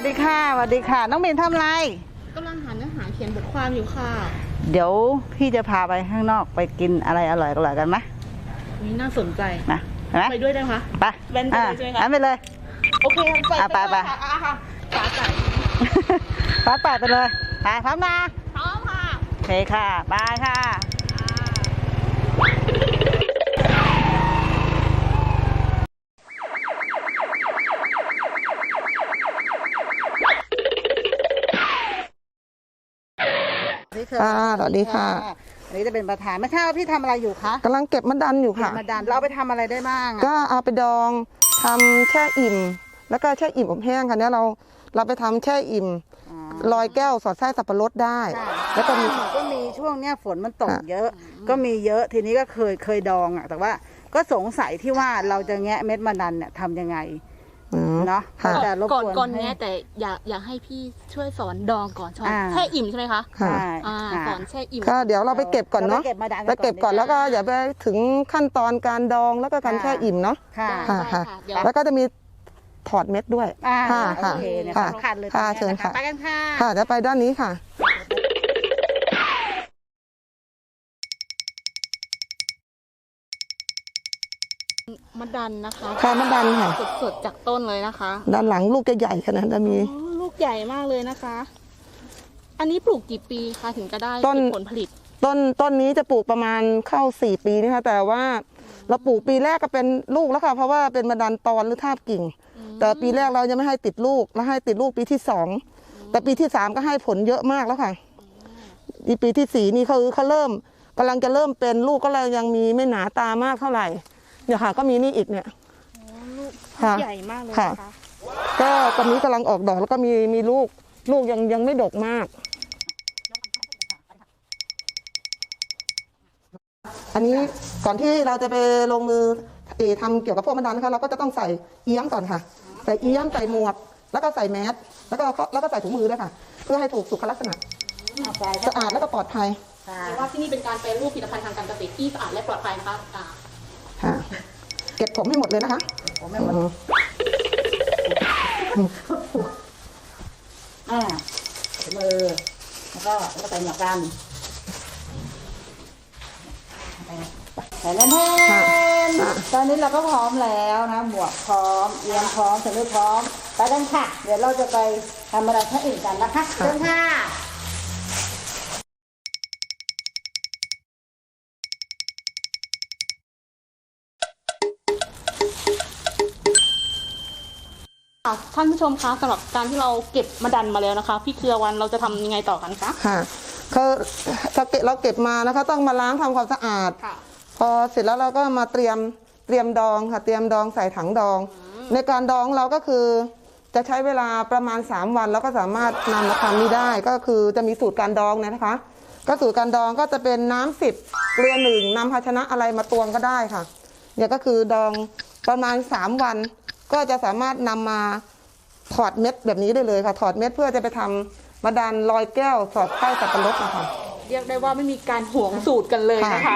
ดีค่ะสวัสดีค่ะน้องเบนทำอะไรกำลังหาเนื้อหาเขียนบทความอยู่ค่ะเดี๋ยวพี่จะพาไปข้างนอกไปกินอะไรอร่อยๆกันไหมนี่น่าสนใจนะไปด้วยได้ไหมคะไปเว้นไปเลยใช่ไหมคะไปเลยโอเคไปค่ะฟ้าใสไปเลยไปพร้อมนะพร้อมค่ะโอเคค่ะไปค่ะสวัสดีค่ะอันนี้จะเป็นประธานไม่ทราบว่าพี่ทำอะไรอยู่คะกำลังเก็บมะดันอยู่ค่ะมะดันเราไปทำอะไรได้บ้างก็เอาไปดองทำแช่อิ่มแล้วก็แช่อิ่มอบแห้งค่ะเนี่ยเราไปทำแช่อิ่มลอยแก้วสอดไส้สับปะรดได้แล้วก็มีช่วงเนี้ยฝนมันตกเยอะก็มีเยอะทีนี้ก็เคยดองอ่ะแต่ว่าก็สงสัยที่ว่าเราจะแงะเม็ดมะดันเนี่ยทำยังไงเนาะก่อนแง่แต่อยากให้พี่ช่วยสอนดองก่อนแช่อิ่มใช่ไหมคะใช่สอนแช่อิ่มก็เดี๋ยวเราไปเก็บก่อนเนาะไปเก็บก่อนแล้วก็อย่าไปถึงขั้นตอนการดองแล้วก็การแช่อิ่มเนาะค่ะแล้วก็จะมีถอดเม็ดด้วยค่ะโอเคเนี่ยสำคัญเลยเชิญค่ะไปกันค่ะค่ะจะไปด้านนี้ค่ะมะดันนะคะค่ะมะดันค่ะสดจากต้นเลยนะคะด้านหลังลูกจะใหญ่ขนาดนั้นมีลูกใหญ่มากเลยนะคะอันนี้ปลูกกี่ปีคะถึงจะได้ผลผลิตต้นนี้จะปลูกประมาณเข้า4 ปีนะคะแต่ว่าเราปลูกปีแรกก็เป็นลูกแล้วค่ะเพราะว่าเป็นมะดันตอนหรือทาบกิ่งแต่ปีแรกเรายังไม่ให้ติดลูกแล้วให้ติดลูกปีที่2แต่ปีที่3ก็ให้ผลเยอะมากแล้วค่ะปีที่4นี่เขาเริ่มกำลังจะเริ่มเป็นลูกก็เลยยังมีไม่หนาตามากเท่าไหร่เนี่ยค่ะก็มีนี่อีกเนี่ยลูกใหญ่มากเลยค่ะก็ตอนนี้กำลังออกดอกแล้วก็มีลูกยังไม่ดกมากอันนี้ก่อนที่เราจะไปลงมือทำเกี่ยวกับพวกมะดันนะคะเราก็จะต้องใส่เอี้ยมก่อนค่ะใส่เอี้ยมใส่หมวกแล้วก็ใส่แมสแล้วก็ใส่ถุงมือด้วยค่ะเพื่อให้ถูกสุขลักษณะสะอาดและก็ปลอดภัยเรียกว่าที่นี่เป็นการแปรรูปผลิตภัณฑ์ทางการเกษตรที่สะอาดและปลอดภัยนะคะค่ะเก็บผมให้หมดเลยนะคะผมให้หมดมือแล้วก็ใส่หมวกกันใส่แล้วตอนนี้เราก็พร้อมแล้วนะหมวกพร้อมเอียงพร้อมถุงมือพร้อมไปกันค่ะเดี๋ยวเราจะไปทำอะไรอื่นกันนะคะเชิญค่ะท่านผู้ชมคะสำหรับการที่เราเก็บมะดันมาแล้วนะคะพี่เครือวันเราจะทำยังไงต่อกันคะค่ะเราเก็บมานะคะต้องมาล้างทำความสะอาดพอเสร็จแล้วเราก็มาเตรียมดองค่ะเตรียมดองใส่ถังดองในการดองเราก็คือจะใช้เวลาประมาณ3 วันแล้วก็สามารถนำมาทำนี้ได้ก็คือจะมีสูตรการดองนะคะก็สูตรการดองก็จะเป็นน้ำ10เกลือ1นำภาชนะอะไรมาตวงก็ได้ค่ะเนี่ยก็คือดองประมาณ3 วันก็จะสามารถนำมาถอดเม็ดแบบนี้ได้เลยค่ะถอดเม็ดเพื่อจะไปทำมะดันลอยแก้วสอดไส้สับปะรดนะคะเรียกได้ว่าไม่มีการห่วงสูตรกันเลยนะคะ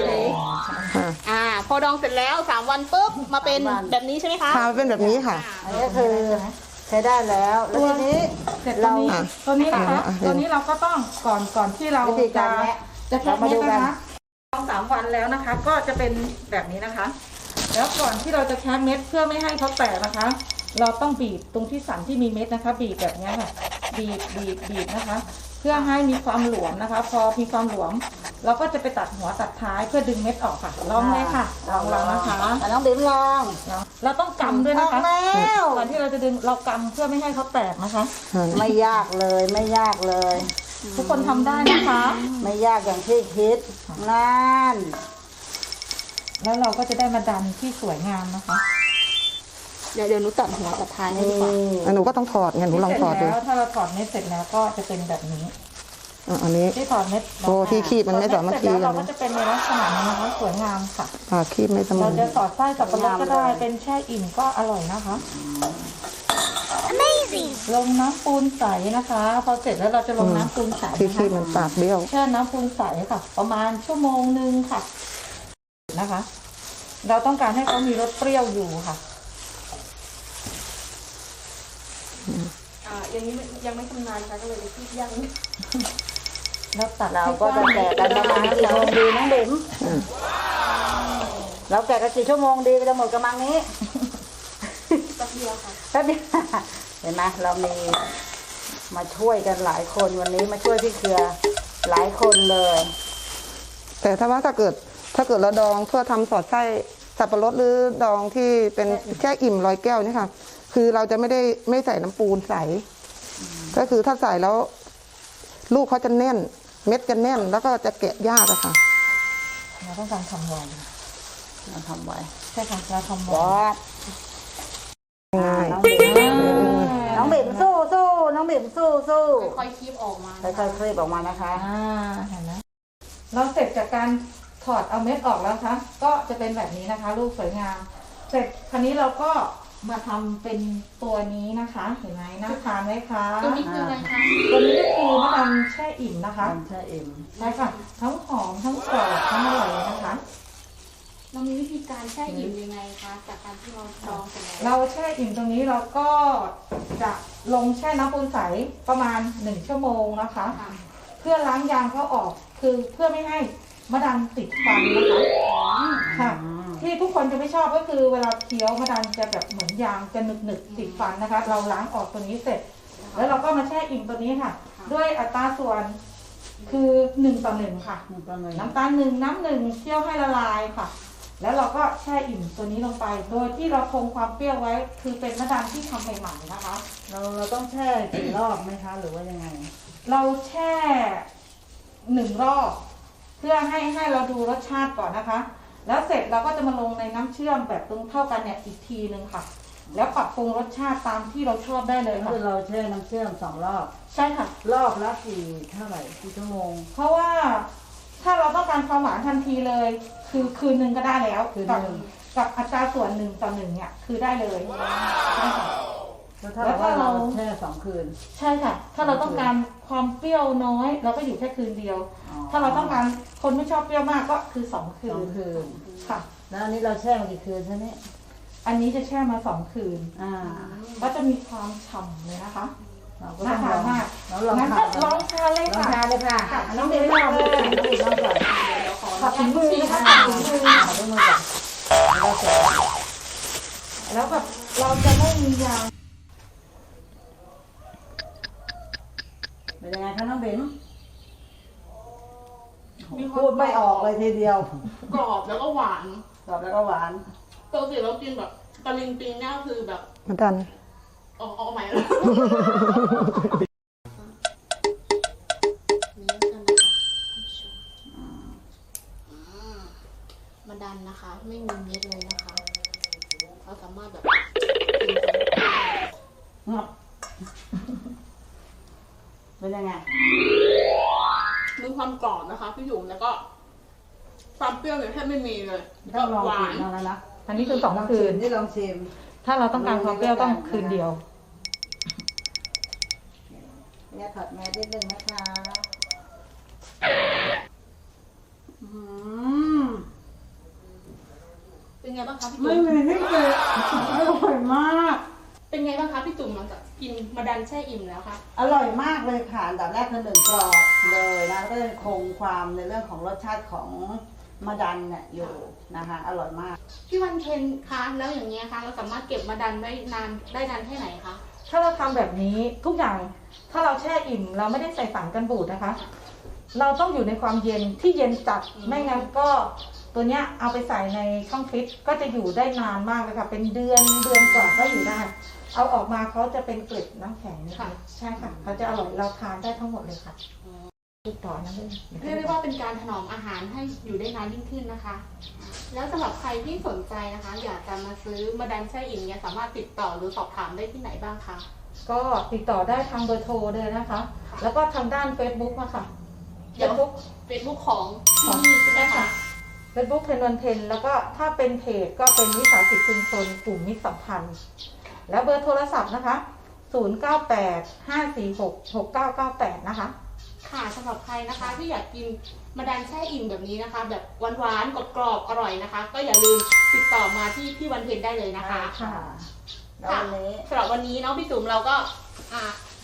พอดองเสร็จแล้ว3 วันปุ๊บมาเป็นแบบนี้ใช่ไหมคะค่ะเป็นแบบนี้ค่ะอันนี้คือใช้ได้แล้วแล้วทีนี้ตัวนี้นะคะตัวนี้เราก็ต้องก่อนที่เราจะแคะเม็ดนะคะดอง3 วันแล้วนะคะก็จะเป็นแบบนี้นะคะแล้วก่อนที่เราจะแคะเม็ดเพื่อไม่ให้เขาแตกนะคะเราต้องบีบตรงที่สันที่มีเม็ดนะคะบีบแบบนี้ค่ะบีบนะคะเพื่อให้มีความหลวมนะคะพอมีความหลวมเราก็จะไปตัดหัวตัดท้ายเพื่อดึงเม็ดออกค่ะลองเลยค่ะลองนะคะน้องเบนลองเราต้องกำด้วยนะคะก่อนที่เราจะดึงเรากำเพื่อไม่ให้เขาแตกนะคะไม่ยากเลยทุกคนทำได้นะคะไม่ยากอย่างที่คิดนั่นแล้วเราก็จะได้มาดันที่สวยงามนะคะเดี๋ยวหนูตัดหัวตัดท้ายให้ดีกว่าหนูก็ต้องถอดไงหนูลองถอดดูถ้าเราถอดเม็ดเสร็จแล้วก็จะเป็นแบบนี้อันนี้ที่ถอดเม็ดที่คีบมันไม่สามารถคีบเราก็จะเป็นในลักษณะนี้นะคะสวยงามค่ะคีบไม่สมเราจะสอดไส้สับปะรดก็ได้เป็นแช่อิ่มก็อร่อยนะคะ Amazing ลงน้ำปูนใสนะคะพอเสร็จแล้วเราจะลงน้ำปูนใสที่คีบมันปากเบี้ยวแช่น้ำปูนใสค่ะประมาณ1 ชั่วโมงค่ะนะคะเราต้องการให้เขามีรสเปรี้ยวอยู่ค่ะอย่างนี้ยังไม่ชำนาญค่ะก็เลยไปคิดยังแล้วตัดเราก็จะแกะกันประมาณกี่โมงดีน้องบิ่มเราแกะกันกี่ชั่วโมงดีจะหมดกระมังนี้แป๊บเดียวค่ะแป๊บเดียวเห็นไหมเรามีมาช่วยกันหลายคนวันนี้มาช่วยพี่เครือหลายคนเลยแต่ถ้าเกิดเราดองเพื่อทำสอดไส้สับปะรดหรือดองที่เป็นแช่อิ่มร้อยแก้วนี่ค่ะคือเราจะไม่ใส่น้ำปูนใส่ก็คือถ้าใส่แล้วลูกเขาจะแน่น เม็ดจะแน่นแล้วก็จะแกะยากอะค่ะเราต้องการทำไวเราทำไว้ใช่ค่ะเราทำไวบอสง่ายน้องบิ่มน้องบิ่มสู้สู้น้องบิ่มสู้สู้ค่อยๆคีบออกมาค่อยๆคลีบออกมานะคะเห็นไหมเราเสร็จจากการถอดเอาเม็ดออกแล้วคะก็จะเป็นแบบนี้นะคะลูกสวยงามเสร็จคราวนี้เราก็มาทำเป็นตัวนี้นะคะเห็นไหมน่าทานไหมคะตัวนี้คืออะไรคะตัวนี้ก็คือมะดันแช่อิ่มนะคะทำเช่อิ่มใช่ค่ะทั้งหอมทั้งกรอบทั้งอร่อยเลยนะคะเรามีวิธีการแช่อิ่มยังไงคะจากการที่เราดองเสร็จแล้วเราแช่อิ่มตรงนี้เราก็จะลงแช่น้ำปูนใสประมาณ1 ชั่วโมงนะคะค่ะเพื่อล้างยางเขาออกคือเพื่อไม่ให้มะดันติดฟันนะคะค่ะ ที่ทุกคนจะไม่ชอบก็คือเวลาเคี้ยวมะดันจะแบบเหมือนยางจะหนึบๆติดฟันนะคะ เราล้างออกตัวนี้เสร็จ แล้วเราก็มาแช่อิ่มตัวนี้ค่ะ ด้วยอัตราส่วนคือ1:1ค่ะ น้ำตาล1น้ำ1เคี่ยวให้ละลายค่ะ แล้วเราก็แช่อิ่มตัวนี้ลงไป โดยที่เราคงความเปรี้ยวไว้ คือเป็นมะดันที่ทำใหม่ๆนะคะเราต้องแช่กี่รอบไหมคะ หรือว่ายังไงเราแช่1 รอบ เพื่อให้เราดูรสชาติก่อนนะคะ แล้วเสร็จเราก็จะมาลงในน้ำเชื่อมแบบตรงเท่ากันเนี่ยอีกทีนึงค่ะ แล้วปรับปรุงรสชาติตามที่เราชอบได้เลยค่ะคือเราแช่น้ำเชื่อม2 รอบใช่ค่ะรอบละเท่าไหร่กี่ชั่วโมงเพราะว่าถ้าเราต้องการความหวานทันทีเลย คือคืนนึงก็ได้แล้วคืนกับนึงกับอัตราส่วน1:1เนี่ยคือได้เลยใช่ค่ะแล้วถ้าเราแช่2 คืนใช่ค่ะ ถ้าเราต้องการความเปรี้ยวน้อย เราก็อยู่แค่คืนเดียวอ๋อถ้าเราต้องการคนไม่ชอบเปรี้ยวมากก็คือ2 คืน 2 คืนค่ะแล้วอันนี้เราแช่มากี่คืนใช่ไหมอันนี้จะแช่มา2 คืน ก็จะมีความฉ่ำเลยนะคะเราก็น่าต้องทานมากเราลองงั้นทาก็นลองทานเลยลองค่ะทานเลยค่ะค่ะน้องเบลลองเลยน้องเบลลองก่อนขอถุงมือนะคะขถุงมืออด้วยมือก่อนเราเสร็จแล้วแบบเราจะไม่มียางเป็นยังไงคะน้องเบลพูดไม่ออกเลยทีเดียวกรอบแล้วก็หวานกรอบแล้วก็หวานปกติเรากินแบบตะลิงปิงเนี่ยคือแบบมะดันเอาใหม่แล้วนี่กันนะคะท่านผู้ชมมาดันนะคะ ไม่มีเม็ดเลยนะคะเราสามารถแบบกินทั้งงับเป็นยังไงมีความกรอบนะคะพี่หยุ่มแล้วก็ความเปรี้ยวเนี่ยแทบไม่มีเลยต้องลองหวากินนแล้วนะอันนี้คือ2 คืนนี่ลองชิมถ้าเราต้องการความเปรี้ยวต้องคืนเดียวเนี่ยถอดแมสนิดนึงนะคะมเป็นไงบ้างคะพี่ไม่จุ๋มมีที่เกิดอร่อยมากเป็นไงบ้างคะพี่จุ๋มหลังจากกินมาดันแช่อิ่มแล้วคะอร่อยมากเลยค่ะอันดับแรกคือ1 กรอบเลยนะแล้วก็ยังคงความในเรื่องของรสชาติของมะดันเนี่ยอยู่นะคะ อร่อยมากพี่วันเพ็ญคะแล้วอย่างเงี้ยคะเราสามารถเก็บมาดันได้นานแค่ไหนคะถ้าเราทำแบบนี้ทุกอย่างถ้าเราแช่อิ่ม เราไม่ได้ใส่สารกันบูดนะคะ เราต้องอยู่ในความเย็นที่เย็นจัดไม่งั้นก็ตัวเนี้ยเอาไปใส่ในช่องฟิตก็จะอยู่ได้นานมากเลยค่ะเป็นเดือนกว่าก็อยู่ได้ เอาออกมาเขาจะเป็นเกล็ดน้ำแข็งนะคะใช่ค่ะเขาจะอร่อยเราทานได้ทั้งหมดเลยค่ะติดต่อนะเลยเรียกได้ว่าเป็นการถนอมอาหารให้อยู่ได้นานยิ่งขึ้นนะคะ แล้วสำหรับใครที่สนใจนะคะ อยากจะมาซื้อมาดันแช่อิ่มเนี่ยสามารถติดต่อหรือสอบถามได้ที่ไหนบ้างคะก็ติดต่อได้ทางเบอร์โทรเลยนะคะ แล้วก็ทางด้าน Facebook มาค่ะเดี๋ยว Facebook ของที่นี่ใช่ไหมคะ Facebook เทนวันเทนแล้วก็ถ้าเป็นเพจก็เป็นวิสาหกิจชุมชนกลุ่มมิตรสัมพันธ์ แล้วเบอร์โทรศัพท์นะคะ 0985466998 นะคะค่ะสำหรับใครนะคะที่อยากกินมาดันแช่อิ่มแบบนี้นะคะ แบบหวานๆกรอบๆอร่อยนะคะ ก็อย่าลืมติดต่อมาที่พี่วันเพ็ญได้เลยนะคะค่ะแล้ววันนี้สำหรับวันนี้เนาะพี่จุ๋มเราก็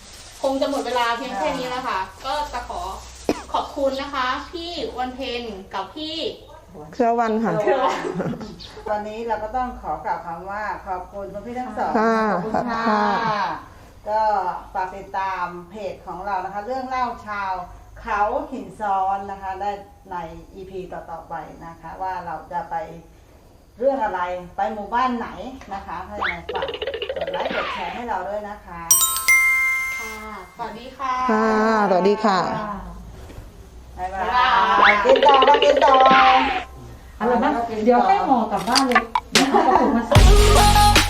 คงจะหมดเวลาเพียงแค่นี้แล้วค่ะ ก็จะขอขอบคุณนะคะ พี่วันเพ็ญกับพี่เครือวันค่ะตอนนี้เราก็ต้องขอกล่าวคำว่าขอบคุณคุณพี่ทั้งสองค่ะขอบคุณค่ะค่ะก็ฝากติดตามเพจของเรานะคะ เรื่องเล่าชาวเขาหินซ้อนนะคะ ได้ใน EP ต่อๆไปนะคะ ว่าเราจะไปเรื่องอะไรไปหมู่บ้านไหนนะคะถ้าอย่างไรฝากกดไลค์กดแชร์ให้เราด้วยนะคะค่ะ สวัสดีค่ะค่ะสวัสดีค่ะบ๊ายบายกินต่อมากินต่ออะไรบ้างเดี๋ยวให้ห่อกลับบ้านเลยเดี๋ยวเอากระปุกมาใส่